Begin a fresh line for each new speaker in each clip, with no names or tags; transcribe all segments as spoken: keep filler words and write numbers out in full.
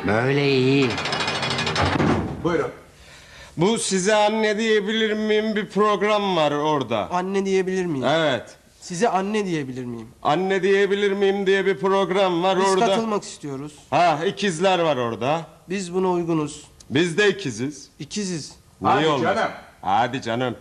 Böyle iyi.
Buyurun.
Bu size anne diyebilir miyim bir program var orada.
Anne diyebilir miyim?
Evet.
Size anne diyebilir miyim?
Anne diyebilir miyim diye bir program var
Biz
orada.
katılmak istiyoruz.
Ha, ikizler var orada.
Biz buna uygunuz.
Biz de ikiziz.
İkiziz.
Hadi
Niye olmaz?
canım.
Hadi canım.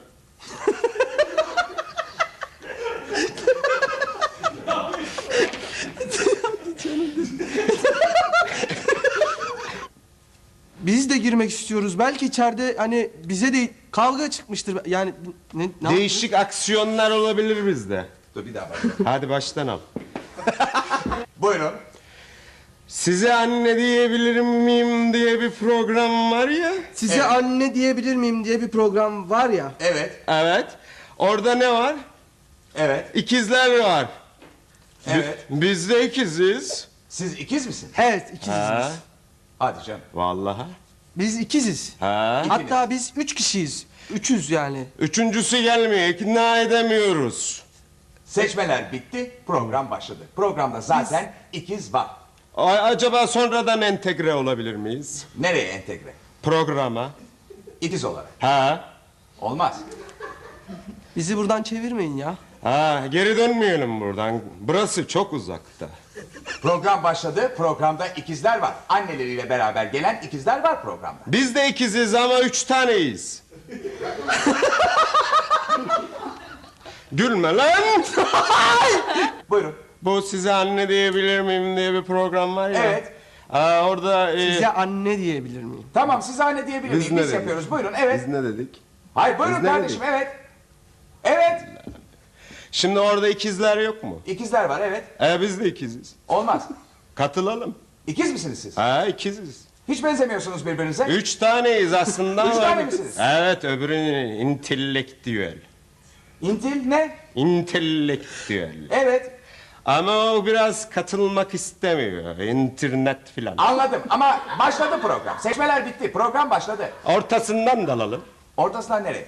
Biz de girmek istiyoruz. Belki içeride hani bize de kavga çıkmıştır. Yani bu- ne, ne
Değişik aksiyonlar olabilir bizde.
Dur bir daha bak.
Hadi baştan al.
Buyurun.
Size anne diyebilir miyim diye bir program var ya.
Size
Evet.
anne diyebilir miyim diye bir program var ya.
Evet.
Evet. Orada ne var?
Evet.
İkizler var.
Evet.
Bi- Biz de ikiziz.
Siz ikiz misiniz?
Evet ikiziz
Ha.
biz.
Hadi canım.
Vallahi.
Biz ikiziz.
Ha.
Hatta biz üç kişiyiz. Üçüz yani.
Üçüncüsü gelmiyor. İkna edemiyoruz.
Seçmeler bitti, program başladı. Programda zaten ikiz var.
A- acaba sonradan entegre olabilir miyiz?
Nereye entegre?
Programa.
İkiz olarak.
Ha.
Olmaz.
Bizi buradan çevirmeyin ya.
Ha, geri dönmeyelim buradan. Burası çok uzakta.
Program başladı, programda ikizler var. Anneleriyle beraber gelen ikizler var programda.
Biz de ikiziz ama üç taneyiz. Gülme lan!
Buyurun.
Bu size anne diyebilir miyim diye bir program var ya.
Evet.
Aa, orada... e,
Size anne diyebilir miyim?
Tamam, siz anne diyebilir
Biz
miyim?
ne
Biz
dedik?
yapıyoruz. Buyurun, evet.
Biz ne dedik?
Hayır, buyurun
Biz ne
kardeşim,
dedik?
evet. Evet.
Şimdi orada ikizler yok mu?
İkizler var, evet.
E biz de ikiziz.
Olmaz.
Katılalım.
İkiz misiniz siz?
Ha, ikiziz.
Hiç benzemiyorsunuz birbirinize.
Üç taneyiz aslında.
Üç
ama-
tane misiniz?
Evet, öbürü intelektüel.
İntil ne?
İntelektüel.
Evet.
Ama o biraz katılmak istemiyor. İnternet filan.
Anladım ama başladı program. Seçmeler bitti. Program başladı.
Ortasından dalalım.
Ortasından nereye?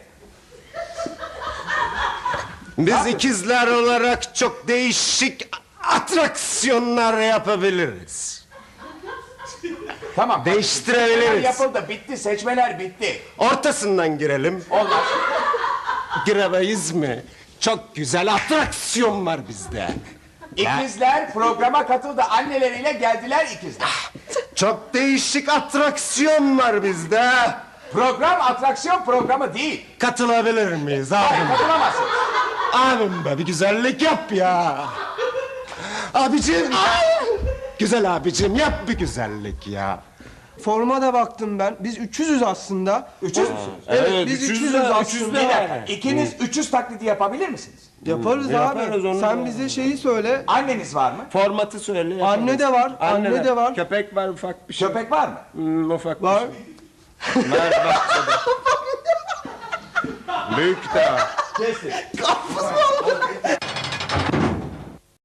Biz ikizler olarak çok değişik atraksiyonlar yapabiliriz.
Tamam.
Değiştirebiliriz.
Seçmeler yapıldı. Bitti. Seçmeler bitti.
Ortasından girelim.
Olmaz.
Giremeyiz mi? Çok güzel atraksiyon var bizde.
İkizler programa katıldı. Anneleriyle geldiler ikizler.
Çok değişik atraksiyon var bizde.
Program atraksiyon programı değil.
Katılabilir miyiz
Hayır,
abim?
katılamazsınız.
Abim be bir güzellik yap ya. Abicim. Güzel abicim yap bir güzellik ya.
Forma da baktım ben. Biz üçüzüz aslında.
Üçüz müsünüz?
Evet,
Evet,
biz
üçüz
üçüzüz
de-
aslında.
üçüz de
Bir
var.
dakika. İkiniz üçüz taklidi yapabilir misiniz?
Yaparız abi.
Yaparız onu
Sen
da.
bize şeyi söyle.
Anneniz var mı?
Formatı söyle.
Anne de var, anne de var.
Köpek var ufak bir şey.
Köpek var mı?
Hmm, ufak bir
Var.
şey. Var bahçede. Büyük de var.
Kesin.
Kafası